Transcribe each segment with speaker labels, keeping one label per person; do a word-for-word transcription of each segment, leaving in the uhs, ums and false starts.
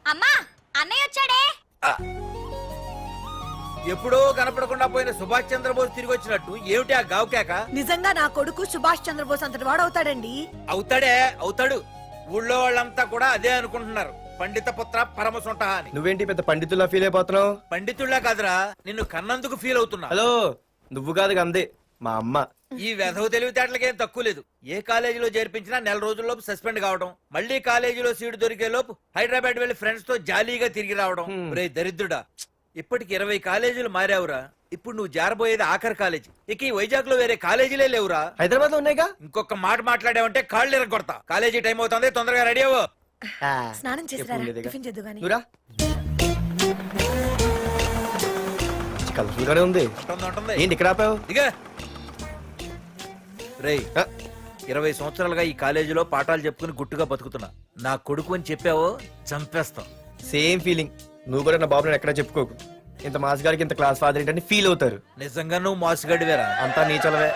Speaker 1: అమ్మా అన్నయ్య వచ్చాడే.
Speaker 2: ఎప్పుడో కనపడకుండా పోయిన సుభాష్ చంద్రబోస్ తిరిగి వచ్చినట్టు ఏమిటి ఆ గావుకేక?
Speaker 3: నిజంగా నా కొడుకు సుభాష్ చంద్రబోస్ అంతటి వాడు అవుతాడండి.
Speaker 2: అవుతాడే అవుతాడు. ఊళ్ళో వాళ్ళంతా కూడా అదే అనుకుంటున్నారు. పండిత పుత్ర పరమ సొంట అని.
Speaker 4: నువ్వేంటి పెద్ద పండితుల్లా ఫీల్ అయిపోతున్నావు?
Speaker 2: పండితుళ్ళ కాదురా, నిన్ను కన్నందుకు ఫీల్ అవుతున్నా.
Speaker 4: హలో, నువ్వు కాదు అందే మా అమ్మ.
Speaker 2: ఈ వెధవ తెలివితేటలకేం తక్కువ లేదు. ఏ కాలేజీలో చేర్పించినా నెల రోజుల్లోపు సస్పెండ్ కావడం, మళ్ళీ కాలేజీలో సీటు దొరికే లోపు హైదరాబాద్ వెళ్లి ఫ్రెండ్స్ తో జాలీగా తిరిగి రావడం. రే దరిద్రుడా, ఇప్పటికి ఇరవై కాలేజీలు మారావురా. ఇప్పుడు నువ్వు జారబోయేది ఆఖరి కాలేజీ. ఇక ఈ వైజాగ్ లో వేరే కాలేజీలే లేవురా.
Speaker 4: హైదరాబాద్ లో ఉన్నాయిగా.
Speaker 2: ఇంకొక మాట మాట్లాడావంటే కాళ్ళు ఎరగొడతా. కాలేజీ టైం అవుతుంది, తొందరగా రెడీ అవ్వు.
Speaker 3: స్నానం చేసిరా, టిఫిన్ చేద్దు గాని.
Speaker 4: కలర్ఫుల్ గానే ఉంది. ఏంటి ఇక్కడ ఆపావు?
Speaker 2: ఇక రేయ్, ఇరవై సంవత్సరాలుగా ఈ కాలేజీలో పాఠాలు చెప్పుకుని గుట్టుగా బతుకుతున్నా. నా కొడుకు అని చెప్పావో చంపేస్తాం.
Speaker 4: Same feeling. నువ్వు కూడా నా బాబు నేను ఎక్కడా చెప్పుకోకు. ఇంత మాస్ గారికి ఇంత క్లాస్ ఫాదర్ ఏంటని ఫీల్ అవుతారు.
Speaker 2: నిజంగా నువ్వు మోసగాడివేరా.
Speaker 4: అంతా నీ చలవే.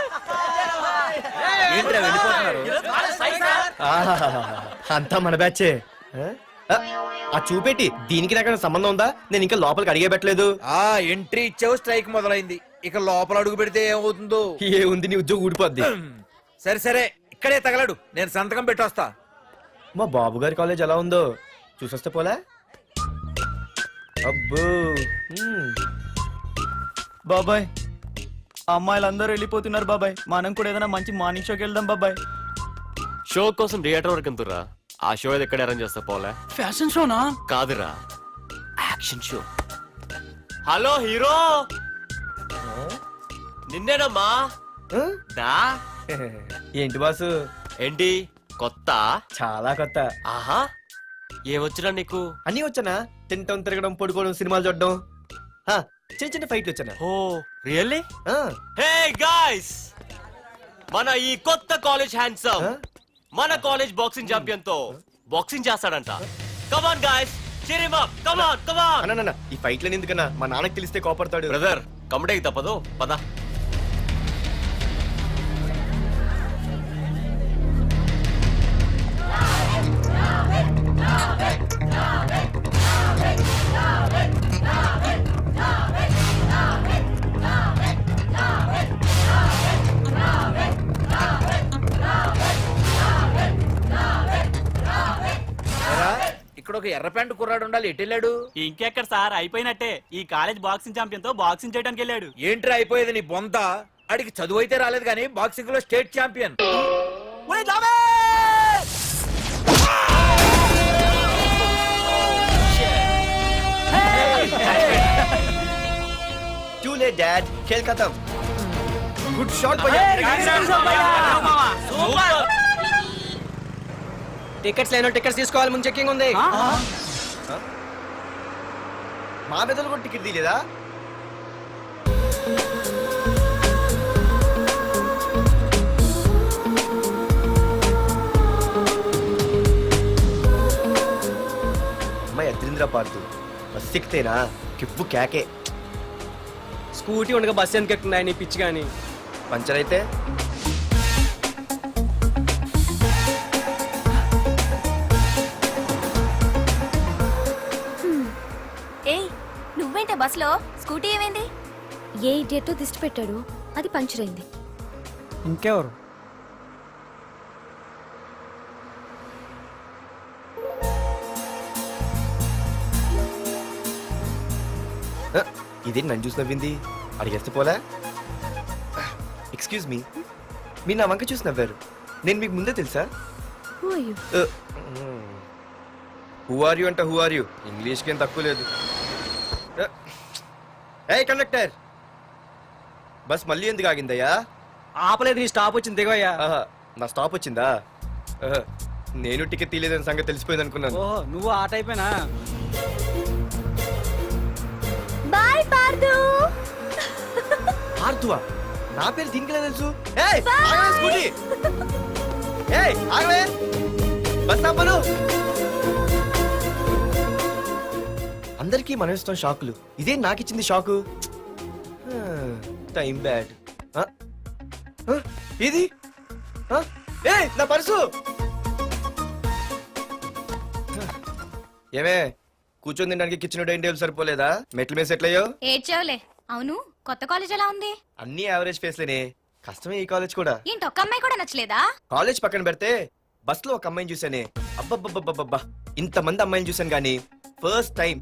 Speaker 2: ఏంట్రా వెళ్ళిపోతున్నారు?
Speaker 4: ఆహాహాహా. అంతా మన బ్యాచే. ఆ, ఆ చూపెట్టి దీనికి నాకైనా సంబంధం ఉందా? నేను ఇంకా లోపలికి అడిగే పెట్టలేదు.
Speaker 2: ఆ ఎంట్రీ ఇచ్చావు, స్ట్రైక్ మొదలైంది. ఇక లోపల అడుగు పెడితే ఏమవుతుందో.
Speaker 4: ఏ ఉంది, నీ ఉద్యోగం ఊడిపోద్ది.
Speaker 2: సరే సరే, ఇక్కడే తగలడు, నేను సంతకం పెట్టొస్తా.
Speaker 4: మా బాబు గారి కాలేజ్ ఎలా ఉందో చూసొస్తే పోలే. అబ్బో.
Speaker 5: బాబాయ్, అమ్మాయిలందరూ వెళ్ళిపోతున్నారు బాబాయ్. మనం కూడా ఏదైనా మంచి మార్నింగ్ షోకి వెళ్దాం బాబాయ్.
Speaker 6: షో కోసం థియేటర్ వరకు ఎంతురా? ఆ షో ఏది ఎక్కడ అరేంజ్ చేస్తా పోలే?
Speaker 5: ఫ్యాషన్ షోనా?
Speaker 6: కాదురా, యాక్షన్ షో. హలో హీరో, నిన్నేనమ్మా.
Speaker 4: ఆ?
Speaker 6: దా.
Speaker 4: ఏంటి బాసు?
Speaker 6: ఏంటి కొత్త?
Speaker 4: చాలా కొత్త.
Speaker 6: ఆహా, ఏమొచ్చినా నీకు?
Speaker 4: అన్నీ వచ్చానా? తింటం, తిరగడం, పడుకోవడం, సినిమాలు చూడడం. ఆ, చిన్న చిన్న ఫైట్లు వచ్చానా?
Speaker 6: Oh really?
Speaker 4: ఆ,
Speaker 6: హే గాయ్స్, మన ఈ కొత్త కాలేజ్ హ్యాండ్సమ్
Speaker 4: ఆ?
Speaker 6: మన కాలేజ్ బాక్సింగ్ ఛాంపియన్ తో బాక్సింగ్ చేస్తాడంట. Come on guys, cheer him up. Come on, come on.
Speaker 4: అన్న, అన్న, ఈ ఫైట్లని ఎందుకన్నా? మా నాన్నకి తెలిస్తే కోపడతాడు.
Speaker 6: బ్రదర్, కమడేకి తప్పదు, పద.
Speaker 2: ఇక్కడ ఒక ఎర్ర ప్యాంటు కుర్రాడు ఉండాలి, ఎటు వెళ్ళాడు?
Speaker 5: ఇంకెక్కడ సార్, అయిపోయినట్టే. ఈ కాలేజ్ బాక్సింగ్ ఛాంపియన్ తో బాక్సింగ్ చేయడానికి వెళ్ళాడు.
Speaker 2: ఏంట్రా అయిపోయేది నీ బొంత? అడిగి చదువు అయితే రాలేదు కానీ బాక్సింగ్ లో state champion.
Speaker 4: Too late, Dad. खेल खत्म. Good shot, भैया.
Speaker 7: టికెట్స్ లేనో టికెట్స్ తీసుకోవాలి, ముందు చెక్కింగ్ ఉంది.
Speaker 4: మా పెద్దలు కూడా టికెట్ తీయలేదా? అమ్మాయి అద్రింద్ర పార్తు బస్ ఎక్కితేనా కిప్పు కేకే.
Speaker 7: స్కూటీ ఉండగా బస్సు ఎందుకు ఎక్కుతున్నాయి నీ పిచ్చి కానీ.
Speaker 4: పంచర్ అయితే
Speaker 1: ఏయ్, నువ్వేంటే బస్సులో? స్కూటీ ఏమైంది?
Speaker 8: ఏ ఇడియట్ దిష్టి పెట్టాడు, అది పంచర్ అయింది.
Speaker 5: ఇంకెవరు?
Speaker 4: ఇదేంటి నన్ను చూసి నవ్వింది? అడిగేస్తే పోలే. ఎక్స్క్యూజ్ మీ, మీరు నా వంక చూసి నవ్వారు. నేను మీకు ముందే తెలుసా?
Speaker 8: Who are you?
Speaker 4: Who are you అంట హూ ఆర్ యూ ఇంగ్లీష్కి ఏం తక్కువ లేదు. ఏ కండక్టర్, బస్ మళ్ళీ ఎందుకు ఆగిందయ్యా?
Speaker 7: ఆపలేదు, నీ స్టాప్ వచ్చింది, దిగవయ్యా.
Speaker 4: ఆహా, నా స్టాప్ వచ్చిందా? ఆహా, నేను టికెట్ తీయలేదని సంగతి తెలిసిపోయింది అనుకున్నాను.
Speaker 7: ఓహో, నువ్వు ఆ టైపేనా?
Speaker 8: బాయ్ పార్దు.
Speaker 4: ఆర్తువా? నా పేరు దీనికి తెలుసు. ఏయ్, ఆగవే స్కూటీ. ఏయ్, ఆగవే. బస్ ఆపను. అందరికీ మనం ఇస్తాం షాకులు, ఇదే నాకు ఇచ్చింది షాకు. Time bad. ఇది ఏ నా పర్సు. ఏమే కూర్చొని తినడానికి కిచెన్ డైనింగ్ టేబుల్ సరిపోలేదా మెట్ల మీద సెట్ అయ్యో
Speaker 1: ఏడ్చావులే అవును కొత్త కాలేజ్ ఎలా ఉంది
Speaker 4: అన్ని యావరేజ్ ఫేస్లేనే కష్టమే ఈ కాలేజ్ కూడా
Speaker 1: ఏంటి ఒక్క అమ్మాయి కూడా నచ్చలేదా
Speaker 4: కాలేజ్ పక్కన పెడితే బస్ లో ఒక అమ్మాయిని చూసానే అబ్బబ్బబ్బబ్బబ్బా ఇంత మంది అమ్మాయిని చూసాను గానీ ఫస్ట్ టైం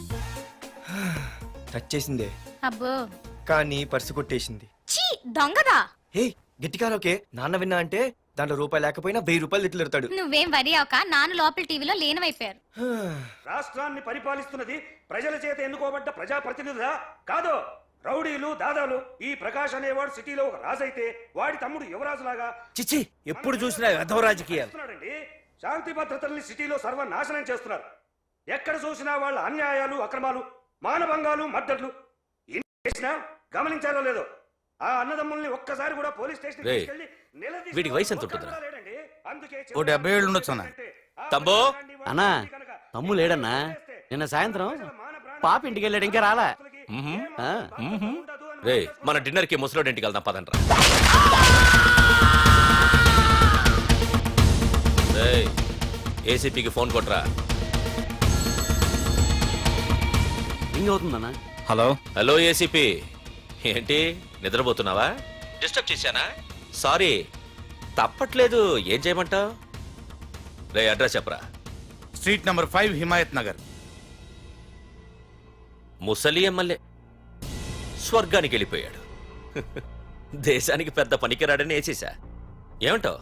Speaker 4: టచ్ చేసిందే
Speaker 1: అబ్బో
Speaker 4: కానీ పర్సు కొట్టేసింది
Speaker 1: చీ దొంగదా
Speaker 4: హే గట్టిగా ఓకే నాన్న విన్నా అంటే దాంట్లో రూపాయి లేకపోయినా వెయ్యి రూపాయలు ఇట్లు ఎడతాడు
Speaker 1: నువ్వేం వరి అవక నాన్న లోపల టీవీలో లేనవైపోయారు
Speaker 9: రాష్ట్రాన్ని పరిపాలిస్తున్నది ప్రజల చేత ఎన్నుకోబడ్డ ప్రజాప్రతినిధులా కాదు రౌడీలు దాదాలు ఈ ప్రకాష్ అనేవాడు సిటీలో ఒక రాజైతే వాడి తమ్ముడు యువరాజులాగా
Speaker 2: చిచ్చి ఎప్పుడు చూసినా వెధవ రాజకీయాలు
Speaker 9: చేస్తున్నాడండి. శాంతి భద్రతల్ని సిటీలో సర్వనాశనం చేస్తున్నారు. ఎక్కడ చూసినా వాళ్ళ అన్యాయాలు అక్రమాలు మానభంగాలు మద్దతులు ఇన్ని చేసినా గమనించారో లేదో ఆ అన్నదమ్ముల్ని ఒక్కసారి కూడా పోలీస్ స్టేషన్
Speaker 6: రేయ్, వీడికి వయసు ఎంత ఉంటుందిరా?
Speaker 2: ఓ డెబ్బై ఏళ్ళు ఉండొచ్చు అన్న.
Speaker 6: తమ్ముడు?
Speaker 10: అన్నా తమ్ము లేడన్నా నిన్న సాయంత్రం పాప ఇంటికి వెళ్ళాడు ఇంకా రాలా
Speaker 6: మ్మ్హ్మ్.
Speaker 10: ఆ,
Speaker 6: మ్మ్హ్మ్. రే మన డిన్నర్ కి ముసలోడి ఇంటికి వెళ్దాం పదండ్రా. రేయ్ ఏసీపీకి ఫోన్ కొట్రా.
Speaker 10: రింగ్ అవుతుందన్నా
Speaker 6: హలో హలో ఏసీపీ ఏంటి నిద్రపోతున్నావా డిస్టర్బ్ చేశానా సారీ తప్పట్లేదు ఏం చేయమంటావు రే అడ్రస్ చెప్పరా
Speaker 11: street number five Himayatnagar.
Speaker 6: ముసలి ఎమ్మెల్యే స్వర్గానికి వెళ్ళిపోయాడు దేశానికి పెద్ద పనికిరాడని వేసేసా ఏమంటావు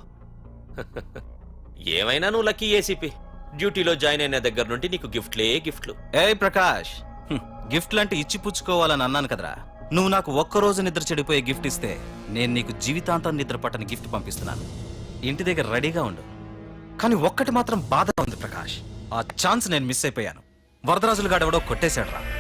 Speaker 6: ఏమైనా నువ్వు లక్కీ ఏసీపీ డ్యూటీలో జాయిన్ అయిన దగ్గర నుండి నీకు గిఫ్ట్లే గిఫ్ట్లు
Speaker 11: ఏ ప్రకాష్, గిఫ్ట్ లాంటి ఇచ్చి పుచ్చుకోవాలని అన్నాను కదరా. నువ్వు నాకు ఒక్కరోజు నిద్ర చెడిపోయే గిఫ్ట్ ఇస్తే నేను నీకు జీవితాంతం నిద్ర పట్టని గిఫ్ట్ పంపిస్తున్నాను. ఇంటి దగ్గర రెడీగా ఉండు. కానీ ఒక్కటి మాత్రం బాధగా ఉంది ప్రకాష్, ఆ ఛాన్స్ నేను మిస్ అయిపోయాను. వరదరాజులు గాడెవడో కొట్టేశాడు రా.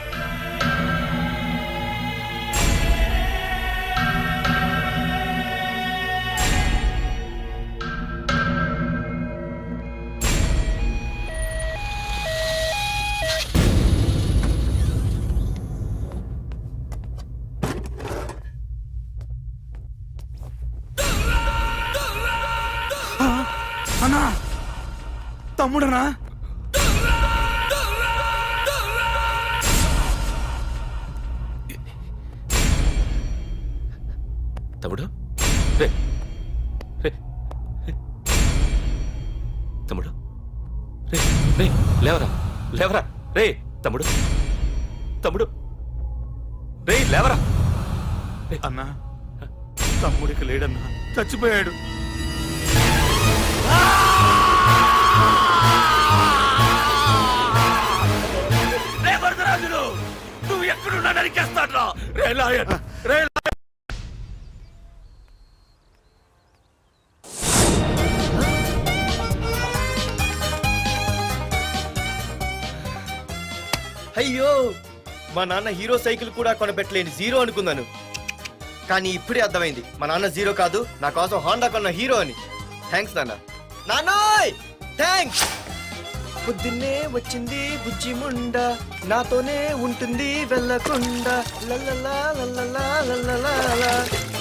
Speaker 11: అన్నా తమ్ముడనా?
Speaker 6: తమ్ముడు రే రే రే. తమ్ముడు రే రే లేవరా లేవరా రే తమ్ముడు తమ్ముడు రే లేవరా
Speaker 11: అన్నా తమ్ముడికి లేడన్నా, చచ్చిపోయాడు.
Speaker 6: రే వరదరాజులు నువ్వు ఎక్కడున్నా నరికేస్తాడ్రా రే లాయర్ రే
Speaker 4: అయ్యో మా నాన్న హీరో సైకిల్ కూడా కొనబెట్టలేని జీరో అనుకున్నాను కానీ ఇప్పుడే అర్థమైంది మా నాన్న జీరో కాదు నా కోసం హోండా కొన్న హీరో అని థ్యాంక్స్ నాన్న నాన్నోయ్ థ్యాంక్స్ పొద్దున్నే వచ్చింది బుజ్జి ముండ నాతోనే ఉంటుంది వెళ్ళకుండా లల్లలా లల్లలా లల్లలా.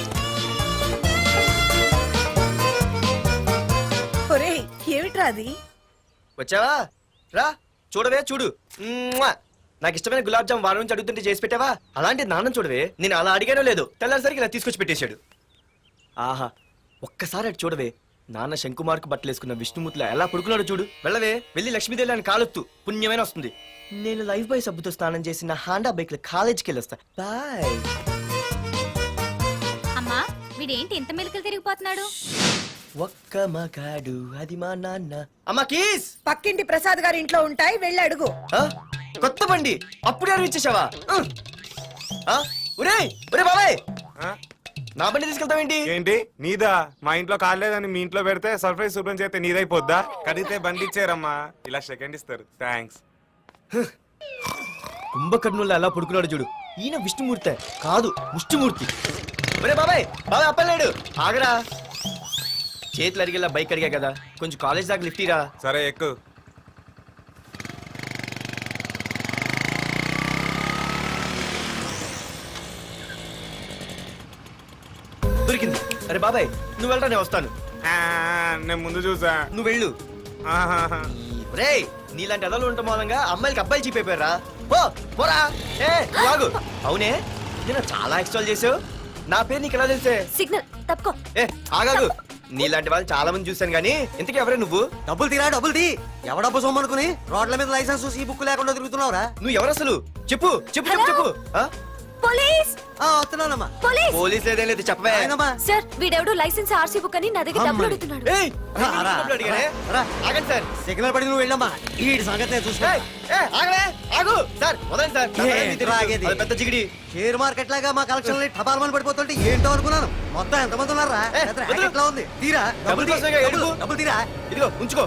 Speaker 3: ఒరేయ్ ఏమిట్రా అది
Speaker 4: వచ్చావా రా చూడవే చూడు మ్మ్వా. నాకు ఇష్టమైన గులాబ్ జామ్ వారం నుంచి అడుగుతుంటే చేసి పెట్టావా అలాంటి నాన్న చూడవే నేను అలా అడిగానో లేదో తెల్లారిసరికి ఇలా తీసుకొచ్చి పెట్టేశాడు ఆహా ఒక్కసారి అటు చూడవే నాన్న శంకుమార్కు బట్టలేసుకున్న విష్ణుమూర్తిలో ఎలా పడుకున్నాడు చూడు వెళ్ళవే వెళ్ళి లక్ష్మీదేవి అని కాలొత్తు పుణ్యమైన వస్తుంది నేను లైఫ్ బాయ్ సబ్బుతో స్నానం చేసి నా హాండా బైక్ లో కాలేజీకి వెళ్ళొస్తా బాయ్
Speaker 1: అమ్మా వీడేంటి ఇంత మెలికలు తిరిగిపోతున్నాడు
Speaker 4: ఒక్క మగాడు అది మా నాన్న అమ్మా కీస్
Speaker 3: పక్కింటి ప్రసాద్ గారి ఇంట్లో ఉంటాయి వెళ్ళి అడుగు
Speaker 4: ఆ? కొత్త బండి అప్పుడే అరువు ఇచ్చేసావా ఆ? ఒరేయ్ ఒరే బాబాయ్ నా బండి తీసుకెళ్తావేంటి
Speaker 11: ఏంటి నీదా? మా ఇంట్లో కాలేదని మీ ఇంట్లో పెడితే సర్ప్రైజ్ శుభ్రం చేస్తే నీదైపోద్దా? కడిగితే బండి ఇచ్చారమ్మా, ఇలా సెకండ్ ఇస్తారు. థ్యాంక్స్.
Speaker 4: కుంభకర్ణుల్లో ఎలా పడుకున్నాడు చూడు ఈయన విష్ణుమూర్తి కాదు ముష్టిమూర్తి ఒరే బాబాయ్ బాబాయ్ అప్పలేడు ఆగరా చేతులు అడిగేలా బైక్ అడిగా కదా కొంచెం కాలేజ్ దాకా లిఫ్ట్ ఇరా
Speaker 11: సరే ఎక్కు.
Speaker 4: దొరికింది అరే బాబాయ్ నువ్వు వెళ్ళరా నేను వస్తాను
Speaker 11: ఆ, నేను ముందు చూసా.
Speaker 4: నువ్వు వెళ్ళు
Speaker 11: ఆహాహా.
Speaker 4: రే నీలాంటి ఎదలు ఉండటం మూలంగా అమ్మాయిలకి అబ్బాయిలు చీపైపోయారా పో పోరా ఏ వాగు అవునే నేను చాలా ఎక్స్ట్రాల్ చేసావు నా పేరు నీకు ఎలా తెలిసే
Speaker 8: సిగ్నల్ తప్పుకో.
Speaker 4: ఏ ఆగాగు నీలాంటి వాళ్ళు చాలా మంది చూశాను గానీ ఇంతకీ ఎవరే నువ్వు
Speaker 10: డబ్బులు తీరా డబ్బులు తీ ఎవడబ్బు సొమ్మనుకుని రోడ్ల మీద లైసెన్స్ ఈ బుక్ లేకుండా తిరుగుతున్నావురా
Speaker 4: నువ్వు ఎవరు అసలు చెప్పు చెప్పు చెప్పు చెప్పు ఆ?
Speaker 8: పోలీస్
Speaker 10: ఆ, వస్తున్నానమ్మా
Speaker 8: పోలీస్
Speaker 4: పోలీస్ ఏదేం లేదు చెప్పవే
Speaker 10: ఆయనమ్మా.
Speaker 8: సార్ వీడెవడో లైసెన్స్ ఆర్సీ బుక్ అని నా దగ్గర డబ్బులు అడుగుతున్నాడు.
Speaker 4: ఏయ్,
Speaker 10: రా, రా,
Speaker 4: డబ్బులు అడిగానే?
Speaker 10: రా.
Speaker 4: ఆగండి సార్
Speaker 10: సిగ్నల్ పడి నువ్వు వెళ్ళమ్మా ఈ సంగతి నేను చూసుకో
Speaker 4: ఏయ్, ఏయ్, ఆగలే ఆగు సార్ వదండి సార్ నా
Speaker 10: ఏ,
Speaker 4: పని మీకు తెలుసు.
Speaker 10: రాగేది.
Speaker 4: అది పెద్ద జిగిడి
Speaker 10: షేర్ మార్కెట్ లాగా మా కలెక్షన్ టపాల్మని పడిపోతుంటే ఏంటో అనుకున్నాను మొత్తం ఎంతమంది ఉన్నారా
Speaker 4: ఏ,
Speaker 10: పెద్ద
Speaker 4: వదిలు.
Speaker 10: racket లా ఉంది తీరా
Speaker 4: డబ్బులు
Speaker 10: తీ.
Speaker 4: కోసమేగా
Speaker 10: డబ్బులు,
Speaker 4: ఏడుపు.
Speaker 10: డబ్బులు తీరా
Speaker 4: ఇదిగో ఉంచుకో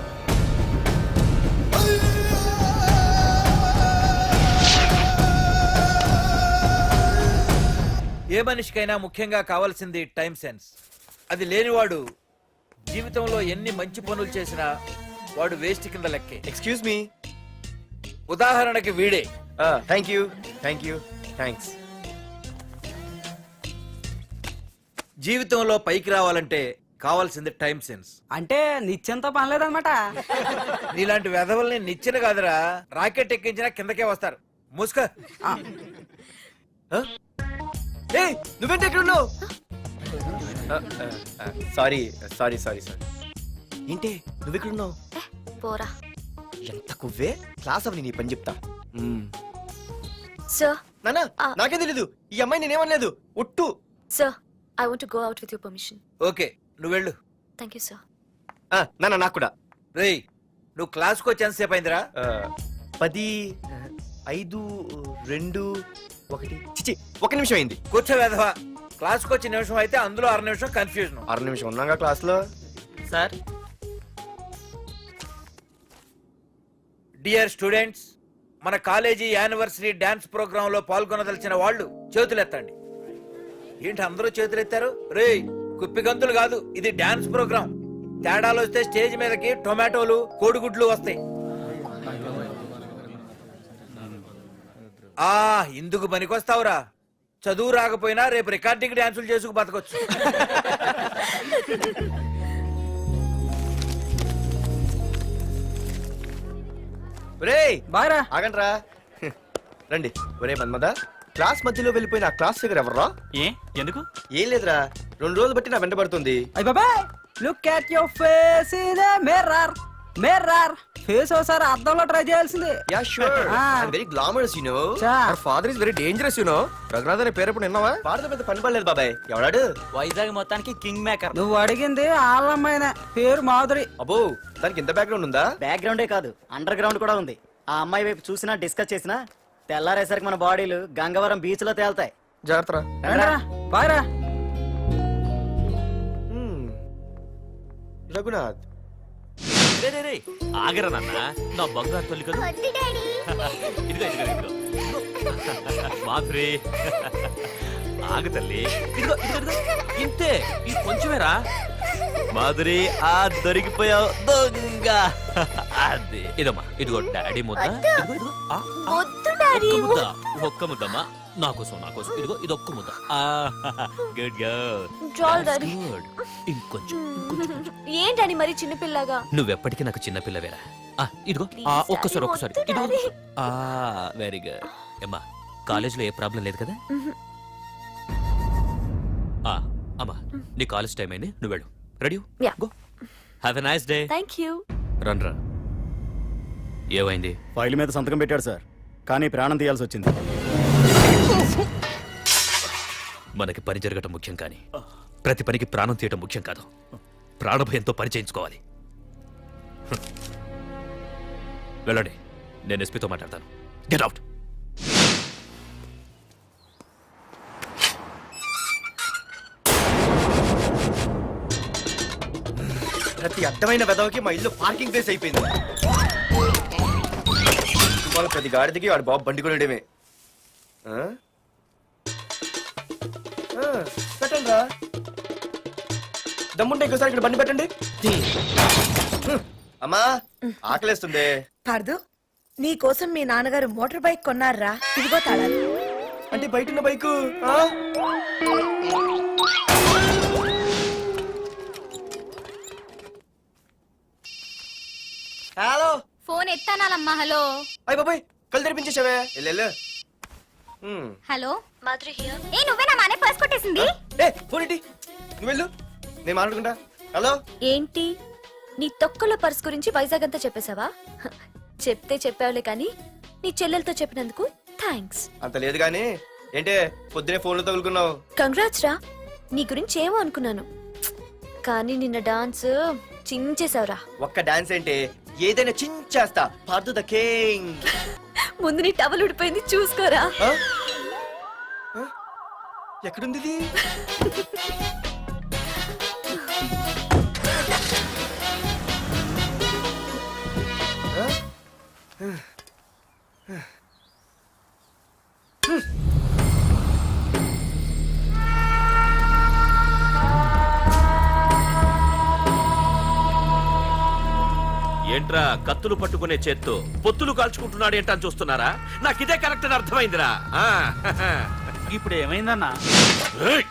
Speaker 2: ఏ మనిషికైనా ముఖ్యంగా కావాల్సింది టైం సెన్స్ అది లేనివాడు జీవితంలో ఎన్ని మంచి పనులు చేసినా వాడు వేస్ట్ కింద లెక్కే
Speaker 4: ఎక్స్క్యూజ్ మీ
Speaker 2: ఉదాహరణకి వీడే
Speaker 4: thank you thank you thanks
Speaker 2: జీవితంలో పైకి రావాలంటే కావాల్సింది టైం సెన్స్
Speaker 7: అంటే నిత్యంతో పనిలేదన్నమాట.
Speaker 2: నీలాంటి వెధవల్ని నిచ్చిన కాదురా రాకెట్ ఎక్కించినా కిందకే వస్తారు ముసుక
Speaker 4: ఏ నువ్వేంటి ఎక్కడ ఉన్నావు సారీ సారీ సారీ సారీ ఏంటి నువ్వు ఎక్కడ ఉన్నావు
Speaker 8: ఏ, పోరా.
Speaker 4: ఎంత కువ్వే క్లాస్ అవని నీ పని చెప్తా
Speaker 8: సార్
Speaker 4: నానా
Speaker 8: ఆ.
Speaker 4: నాకేం తెలీదు ఈ అమ్మాయి నేనేమనలేదు ఒట్టు
Speaker 8: sir I want go out with your permission.
Speaker 2: Okay నువ్వు వెళ్ళు
Speaker 8: థ్యాంక్ యూ సార్.
Speaker 4: ఆ, నానా నాకు కూడా
Speaker 2: రేయ్ నువ్వు క్లాస్కి వచ్చి ఎంతసేపు అయిందిరా
Speaker 4: ఆ, పది ఐదు రెండు ఒకటి చిచి ఒక నిమిషం అయింది
Speaker 2: కూర్చో వెధవా క్లాస్కి వచ్చి నిమిషం అయితే అందులో అర నిమిషం కన్ఫ్యూజన్
Speaker 4: అర నిమిషం ఉన్నాగా క్లాస్ లో
Speaker 7: సార్
Speaker 2: డియర్ స్టూడెంట్స్ మన కాలేజీ యానివర్సరీ డాన్స్ ప్రోగ్రామ్ లో పాల్గొనదలిచిన వాళ్ళు చేతులెత్తండి ఏంటి అందరూ చేతులెత్తారు రేయ్ కుప్పి గంతులు కాదు ఇది డాన్స్ ప్రోగ్రామ్ తేడాలు వస్తే స్టేజ్ మీదకి టొమాటోలు కోడిగుడ్లు వస్తాయి ఆ ఇందుకు పనికొస్తావురా చదువు రాకపోయినా రేపు రికార్డింగ్ డాన్సులు చేసుకు బతకొచ్చు
Speaker 4: ఒరేయ్
Speaker 7: బాగా
Speaker 4: ఆగండ్రా రండి ఒరే మన్మద క్లాస్ మధ్యలో వెళ్ళిపోయిన ఆ క్లాస్ ఫిగర్ ఎవర్రా
Speaker 6: ఏ ఎందుకు
Speaker 4: ఏం లేదురా రెండు రోజులు బట్టి నా వెంట పడుతుంది
Speaker 7: అయ్య బాబాయ్ look at your face in a mirror mirror face ఒకసారి అద్దంలో ట్రై చేయాల్సింది.
Speaker 4: Ya sure
Speaker 7: Ah.
Speaker 4: I am very glamorous you know
Speaker 7: చా
Speaker 4: father is very dangerous you know Raghunath అనే పేరు ఎప్పుడు విన్నావా ఫాదర్ పెద్ద పని పడలేదు బాబాయ్ ఎవడాడు
Speaker 7: వైజాగ్ మొత్తానికి కింగ్ మేకర్. నువ్వు అడిగింది ఆళ్ళమ్మాయిన పేరు మాధురి.
Speaker 4: అబ్బో దానికి ఇంత బ్యాక్గ్రౌండ్ ఉందా
Speaker 5: బ్యాక్గ్రౌండే కాదు అండర్ గ్రౌండ్ కూడా ఉంది. ఆ అమ్మాయి వైపు చూసినా డిస్కస్ చేసినా తెల్లారేసరికి మన బాడీలు గంగవరం బీచ్ లో తేల్తాయి.
Speaker 4: జాగ్రత్త
Speaker 7: బాయ్
Speaker 4: రఘునాథ్
Speaker 6: రే రే రే ఆగరా నాన్న నా బంగారు తల్లి కదా ఇదిగో ఇదిగో ఇదిగో మాధురి ఆగు తల్లి ఇదిగో ఇదిగో ఇదిగో ఇంతే ఇది కొంచెమేరా మాధురి ఆ దొరికిపోయావు దొంగ అది ఇదమ్మా ఇదిగో డాడీ ముద్ద ఇదిగో ఇదిగో ఆ, ఆ, ఒక్క ముద్ద ఒక్క ముద్దమ్మా నా కోసం నా కోసం ఇదిగో ఇది ఒక్క ముద్ద గుడ్
Speaker 8: Drawl, Daddy.
Speaker 6: గుడ్ ఇంకొంచెం
Speaker 8: ఏంటని మరి చిన్నపిల్లగా?
Speaker 6: నువ్వెప్పటికీ నాకు చిన్న పిల్లవేరా ఆ, ఇదిగో ఆ,
Speaker 8: Please,
Speaker 6: ఒక్కసారి
Speaker 8: Daddy,
Speaker 6: ఒక్కసారి
Speaker 8: వద్దు,
Speaker 6: ఇదిగో
Speaker 8: Daddy.
Speaker 6: ఆ వెరీ గుడ్ అమ్మా కాలేజీలో ఏ ప్రాబ్లం లేదు కదా ఆ, అమ్మా నీ కాలేజ్ టైం అయింది నువ్వు వెళ్ళు ready
Speaker 8: Yeah.
Speaker 6: Go have a nice day
Speaker 8: thank you.
Speaker 6: Run రా ఏమైంది
Speaker 5: ఫైల్ మీద సంతకం పెట్టాడు సార్, కానీ ప్రాణం తీయాల్సి వచ్చింది.
Speaker 6: మనకి పని జరగటం ముఖ్యం కానీ ప్రతి పనికి ప్రాణం తీయటం ముఖ్యం కాదు. ప్రాణభయంతో పని చేయించుకోవాలి. హ్మ్. వెళ్ళండి, నేను ఎస్పీతో మాట్లాడతాను. Get out.
Speaker 4: ప్రతి అర్థమైన వెదవకి మా ఇల్లు పార్కింగ్ ప్లేస్ అయిపోయింది. వాళ్ళ ప్రతి గాడిదకి వాడు బాబు బండి కొనడమే. ఆ? ఆ, పెట్టండి రా. దమ్ముంటే ఇంకోసారి ఇక్కడ బండి పెట్టండి. హ్మ్. అమ్మా ఆకలేస్తుంది.
Speaker 3: పార్దు నీ కోసం మీ నాన్నగారు మోటార్ బైక్ కొన్నారా? ఇదిగో తాళాలు.
Speaker 4: అంటే బయట ఉన్న బైకు ఆ?
Speaker 5: హలో
Speaker 1: ఫోన్ ఎత్తానాలమ్మా హలో
Speaker 4: అయ్య బాబాయ్ కళ్ళు తెరిపించేసావే వెళ్ళు
Speaker 1: హలో మాధురి హియర్ ఏ నువ్వేనా మానే పర్స్ కొట్టేసింది
Speaker 4: ఏ ఫోన్ ఏంటి నువ్వు వెళ్ళు నేను మాట్లాడుకుంటా హలో
Speaker 8: ఏంటి నీ తొక్కల పర్స్ గురించి వైజాగ్ అంతా చెప్పేశావా హ, చెప్తే చెప్పావులే కానీ నీ చెల్లెలతో చెప్పినందుకు థ్యాంక్స్.
Speaker 4: అంత లేదు కానీ ఏంటే పొద్దునే ఫోన్లో తగులుకున్నావు.
Speaker 8: కంగ్రాట్స్ రా, నీ గురించి ఏమో అనుకున్నాను కానీ నిన్న డాన్స్ చించేశావురా.
Speaker 4: ఒక్క డాన్స్ ఏంటి ఏదైనా చించేస్తా పార్దు ద కింగ్.
Speaker 8: ముందు నీ టవల్ ఉడిపోయింది చూసుకోరా.
Speaker 4: ఎక్కడుంది ఇది?
Speaker 6: ఏంట్రా కత్తులు పట్టుకునే చేత్తో పొత్తులు కాల్చుకుంటున్నాడు ఏంటని చూస్తున్నారా? నాకు ఇదే కరెక్ట్ అని అర్థమైందిరా. ఆ,
Speaker 7: ఇప్పుడు ఏమైందన్నా?
Speaker 6: ఏయ్!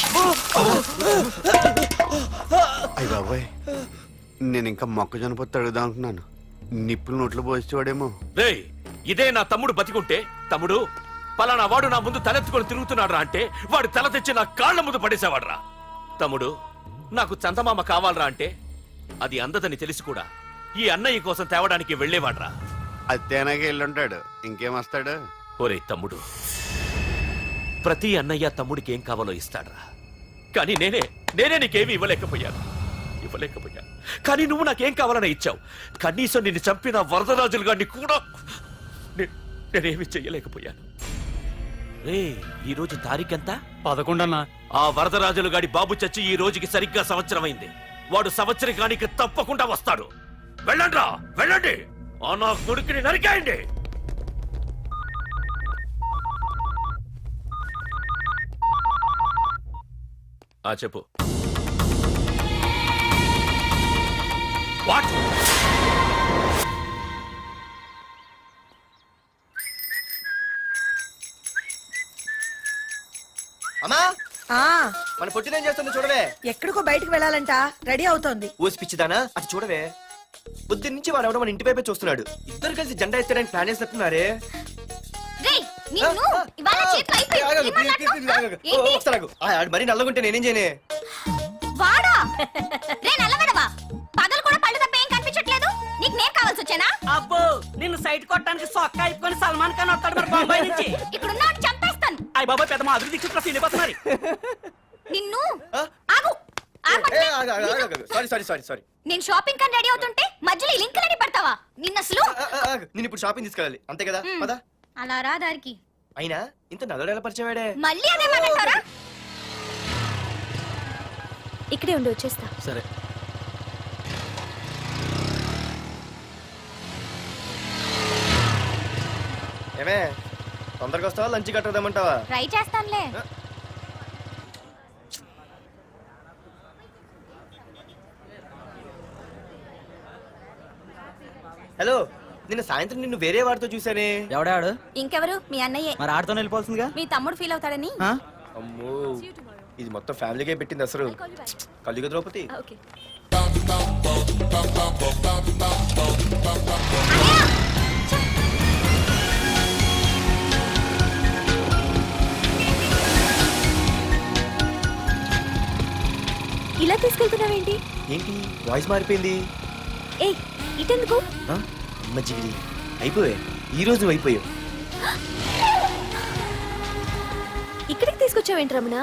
Speaker 10: అయ్య బాబాయ్, నేను ఇంకా మొక్కజొన్న పొత్తు అడుగుదాం అనుకున్నాను. నిప్పులు నోట్లో పోసేవాడేమో.
Speaker 6: రేయ్, ఇదే నా తమ్ముడు బతికుంటే, తమ్ముడు పలానా వాడు నా ముందు తలెత్తుకొని తిరుగుతున్నాడు అంటే వాడు తల తెచ్చి నా కాళ్ళ ముందు పడేసేవాడ్రా. తమ్ముడు నాకు చందమామ కావాలరా అంటే అది అందదని తెలిసి కూడా ఈ అన్నయ్య కోసం తేవడానికి వెళ్లేవాడ్రా.
Speaker 10: అత్తేనాగే వెళ్ళుంటాడు, ఇంకేం వస్తాడు?
Speaker 6: ఒరే తమ్ముడు, ప్రతి అన్నయ్య తమ్ముడికి ఏం కావాలో ఇస్తాడ్రా. కానీ నేనే నేనే నీకేమీ ఇవ్వలేకపోయాను ఇవ్వలేకపోయాను కానీ నువ్వు నాకేం కావాలని ఇచ్చావు. కనీసం నిన్ను చంపిన వరదరాజులు గారిని కూడా నే- నేనేమీ చెయ్యలేకపోయాను. రే, ఈ రోజు తారీఖెంత?
Speaker 7: పదకొండన్నా.
Speaker 6: ఆ వరదరాజులు గాడి బాబు చచ్చి ఈ రోజుకి సరిగ్గా సంవత్సరం అయింది. వాడు సంవత్సరికానికి తప్పకుండా వస్తాడు. వెళ్ళండ్రా, వెళ్ళండి. ఆ నా కొడుకుని నరికేయండి. ఆ చెప్పు. వాట్?
Speaker 4: అమ్మా
Speaker 3: ఆ
Speaker 4: మన పొట్టినేం చేస్తుంది చూడవే.
Speaker 3: ఎక్కడికో బయటికి వెళ్ళాలంట, రెడీ అవుతోంది.
Speaker 4: ఓసి పిచ్చిదానా అది చూడవే. పొద్దున్న నుంచి వాడు ఎవడో మన ఇంటి వైపే చూస్తున్నాడు. ఇద్దరు కలిసి జెండా ఎత్తడానికి ప్లాన్ వేసినట్టున్నారే.
Speaker 1: రేయ్ నిన్ను ఇవాళ చేతులు అయిపోయి ఏం మాట్లాడుతున్నావ్? ఏంటి?
Speaker 4: ఒకసారి ఆగు. ఆ, ఆడు మరీ నల్లగుంటే నేనేం చేయనే?
Speaker 1: వాడా రే నల్లగడవా, పగలు కూడా పళ్ళు తప్ప ఏం కనిపించట్లేదు. నీకు నేను కావాల్సి వచ్చానా?
Speaker 7: అబ్బో, నిన్ను సైట్ కొట్టడానికి సొక్క అయిపోయి సల్మాన్ ఖాన్ వస్తాడు మరి బొంబాయి నుంచి.
Speaker 1: ఇక్కడున్న వాడిని చంపేస్తాను.
Speaker 7: అయ్య బాబా, పెద్ద మా అభివృద్ధి చుట్టూ ఫీల్ అయిపోతున్నారు.
Speaker 1: నిన్ను
Speaker 4: ఆ?
Speaker 1: ఆగు ఆగమంటే.
Speaker 4: ఏ, ఆగు, ఆగు, ఆగు, ఆగు. సారీ సారీ సారీ సారీ
Speaker 1: నేను షాపింగ్ కని రెడీ అవుతుంటే మధ్యలో ఈ లింకులని పడతావా? నిన్న అసలు
Speaker 4: ఆ, ఆ, ఆగు. నేను ఇప్పుడు షాపింగ్ తీసుకెళ్ళాలి అంతే కదా.
Speaker 1: మ్.
Speaker 4: పదా.
Speaker 1: అలా రా దారికి.
Speaker 4: అయినా ఇంత నల్లడు ఎలా పరిచయం వాడే?
Speaker 1: మళ్ళీ అదే మాట్లాడతారా?
Speaker 8: ఇక్కడే ఉండి వచ్చేస్తా.
Speaker 10: సరే.
Speaker 4: ఏమే తొందరగా వస్తావా, లంచ్ కట్టదామంటావా?
Speaker 1: ట్రై చేస్తానులే.
Speaker 4: హలో, నిన్న సాయంత్రం నిన్ను వేరే వాడితో చూసానే.
Speaker 7: ఎవడాడు?
Speaker 1: ఇంకెవరు? మీ అన్నయ్యే.
Speaker 7: మరి ఆడుతో వెళ్ళిపోతుందిగా.
Speaker 1: మీ తమ్ముడు ఫీల్ అవుతాడని.
Speaker 7: ఆ?
Speaker 4: అమ్మో, ఇది మొత్తం ఫ్యామిలీకే పెట్టింది అసలు. కలియుగ ద్రౌపది.
Speaker 8: ఓకే. ఇలా తీసుకెళ్తున్నావేంటి?
Speaker 4: ఏంటి వాయిస్ మారిపోయింది?
Speaker 8: ఏ ఇటెందుకు?
Speaker 4: ఆ? అమ్మ జిగిరి అయిపోయా, ఈ రోజు నువ్వు అయిపోయావు.
Speaker 8: ఇక్కడికి తీసుకొచ్చావేంటి రమణ?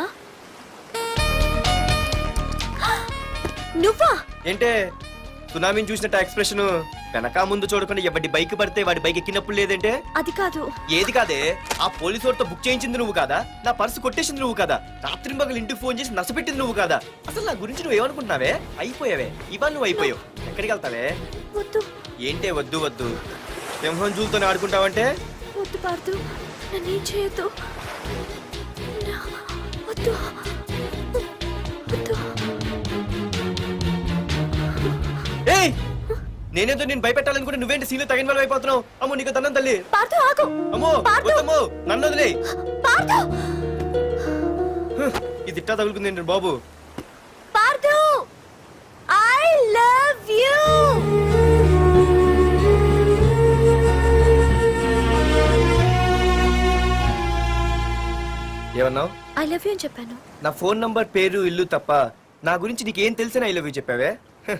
Speaker 8: నువ్వా?
Speaker 4: ఏంటే సునామీని చూసినట్టు ఎక్స్ప్రెషన్. వెనక ముందు చూడకుండా ఎవడి బైక్ పడితే వాడి బైక్ ఎక్కినప్పుడు లేదంటే?
Speaker 8: అది కాదు.
Speaker 4: ఏది కాదే, ఆ పోలీసు వాడితో బుక్ చేయించింది నువ్వు కాదా? నా పర్సు కొట్టేసింది నువ్వు కాదా? రాత్రి మగలు ఇంటికి ఫోన్ చేసి నసపెట్టింది నువ్వు కాదా? అసలు నా గురించి నువ్వు ఏమనుకుంటున్నావే? అయిపోయావే, ఇవాళ నువ్వు అయిపోయావు. ఎక్కడికి వెళ్తావే?
Speaker 8: వద్దు
Speaker 4: ఏంటే వద్దు వద్దు? సింహం జూలతో ఆడుకుంటావంటే?
Speaker 8: వద్దు పార్దు, నన్నేం చేయొద్దు. నా- వద్దు వద్దు.
Speaker 4: ఏయ్, నేనేదో నేను భయపెట్టాలనుకుంటే నువ్వేంటి సీన్లో తగిన వాళ్ళు అయిపోతున్నావు? అమ్మో నీకు దండం తల్లి.
Speaker 8: పార్దు ఆగు.
Speaker 4: అమ్మో
Speaker 8: పార్దు.
Speaker 4: వద్దమ్మో, నన్ను వదిలే.
Speaker 8: పార్దు
Speaker 4: ఇది ఇట్టా తగులుకుంది బాబు.
Speaker 8: Parthu, I love you.
Speaker 4: ఏమన్నావు?
Speaker 8: ఐ లవ్ యూ అని చెప్పాను.
Speaker 4: నా ఫోన్ నంబర్, పేరు, ఇల్లు తప్ప నా గురించి నీకేం తెలిసిన ఐ లవ్ యూ చెప్పావే?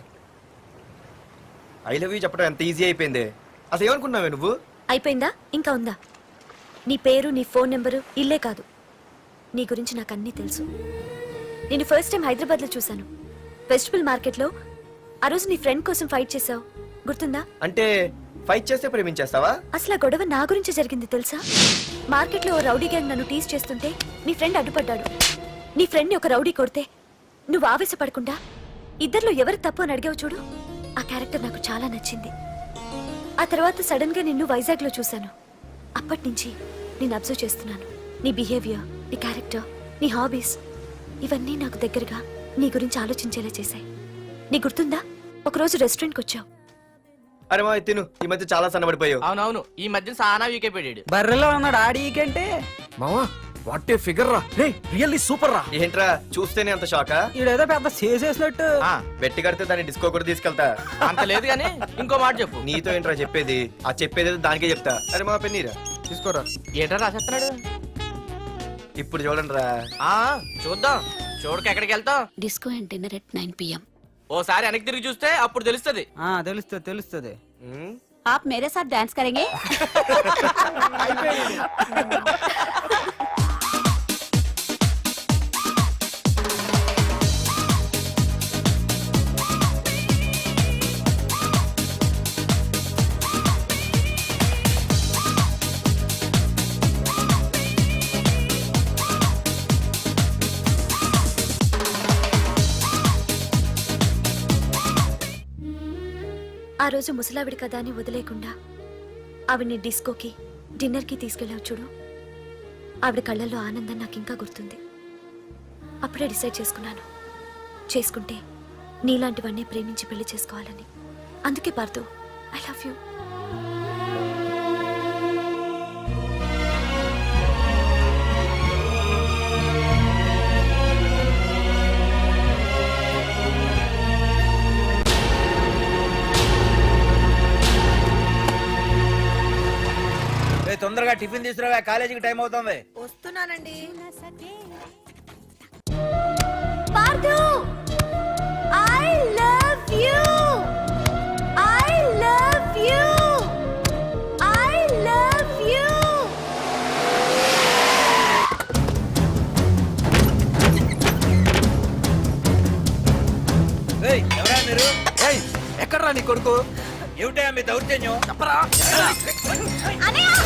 Speaker 4: ఐ లవ్ యూ చెప్పడం ఎంత ఈజీ అయిపోయింది. అసలు ఏమనుకున్నావే నువ్వు?
Speaker 8: అయిపోయిందా? ఇంకా ఉందా? నీ పేరు, నీ ఫోన్ నెంబరు, ఇల్లే కాదు, నీ గురించి నాకు అన్నీ తెలుసు. నేను ఫస్ట్ టైం హైదరాబాద్లో చూశాను, వెజిటబుల్ మార్కెట్లో. ఆ రోజు నీ ఫ్రెండ్ కోసం ఫైట్ చేసావు, గుర్తుందా?
Speaker 4: అంటే ఫైట్ చేస్తే ప్రేమించేస్తావా?
Speaker 8: అసలు ఆ గొడవ నా గురించి జరిగింది తెలుసా? మార్కెట్లో ఓ రౌడీ గ్యాంగ్ నన్ను టీజ్ చేస్తుంటే నీ ఫ్రెండ్ అడ్డుపడ్డాడు. నీ ఫ్రెండ్ని ఒక రౌడీ కొడితే నువ్వు ఆవేశపడకుండా ఇద్దరిలో ఎవరు తప్పు అని అడిగావు చూడు, ఆ క్యారెక్టర్ నాకు చాలా నచ్చింది. ఆ తర్వాత సడన్ గా నిన్ను వైజాగ్ లో చూశాను. అప్పటి నుంచి నేను అబ్జర్వ్ చేస్తున్నాను. నీ బిహేవియర్, నీ క్యారెక్టర్, నీ హాబీస్, ఇవన్నీ నాకు దగ్గరగా నీ గురించి ఆలోచించేలా చేశాయి. నీ గుర్తుందా, ఒకరోజు రెస్టారెంట్కి వచ్చావు.
Speaker 4: అరే మా తిను, ఈ మధ్య చాలా సన్నబడిపోయావు.
Speaker 7: అవునవును, ఈ మధ్య సానా వీకే పెట్టాడు. బర్రెలో ఉన్నాడు ఆడికంటే.
Speaker 12: మావా వాట్ ఏ ఫిగర్ రా, రే రియల్లీ సూపర్ రా.
Speaker 4: ఏంట్రా చూస్తేనే అంత షాకా?
Speaker 7: ఈడేదో పెద్ద చేసేసినట్టు.
Speaker 4: బెట్టి కడితే దాన్ని డిస్కో కూడా తీసుకెళ్తా.
Speaker 7: అంత లేదు కానీ ఇంకో మాట చెప్పు.
Speaker 4: నీతో ఏంట్రా చెప్పేది? ఆ చెప్పేది దానికే చెప్తా. అరే మా పెన్నీరా తీసుకోరా.
Speaker 7: ఏంట్రా రాసేస్తున్నాడు?
Speaker 4: ఇప్పుడు చూడండి రా.
Speaker 7: ఆ చూద్దాం, చూడక ఎక్కడికి వెళ్తాం?
Speaker 8: Disco and dinner at nine PM.
Speaker 7: ఓసారి వెనక్కి తిరిగి చూస్తే అప్పుడు తెలుస్తుంది. తెలుస్తుంది తెలుస్తుంది.
Speaker 1: आप मेरे साथ डांस करेंगे?
Speaker 8: ఆ రోజు ముసలావిడి కదా అని వదిలేకుండా ఆవిడ్ని డిస్కోకి, డిన్నర్కి తీసుకెళ్ళావు చూడు, ఆవిడ కళ్ళల్లో ఆనందం నాకు ఇంకా గుర్తుంది. అప్పుడే డిసైడ్ చేసుకున్నాను, చేసుకుంటే నీలాంటివన్నీ ప్రేమించి పెళ్లి చేసుకోవాలని. అందుకే పార్థు, ఐ లవ్ యూ.
Speaker 2: తొందరగా టిఫిన్ తీసుకురావా, కాలేజీకి టైం అవుతుంది.
Speaker 3: వస్తున్నానండి.
Speaker 8: Parthu, I love you, I love you, I love you.
Speaker 2: ఏయ్, ఎవరా మీరు?
Speaker 12: ఏయ్ ఎక్కడ్రా నీ కొడుకు?
Speaker 2: ఏమిటా మీ దౌర్జన్యం?
Speaker 12: చెప్పరా.
Speaker 1: అన్నయ్య!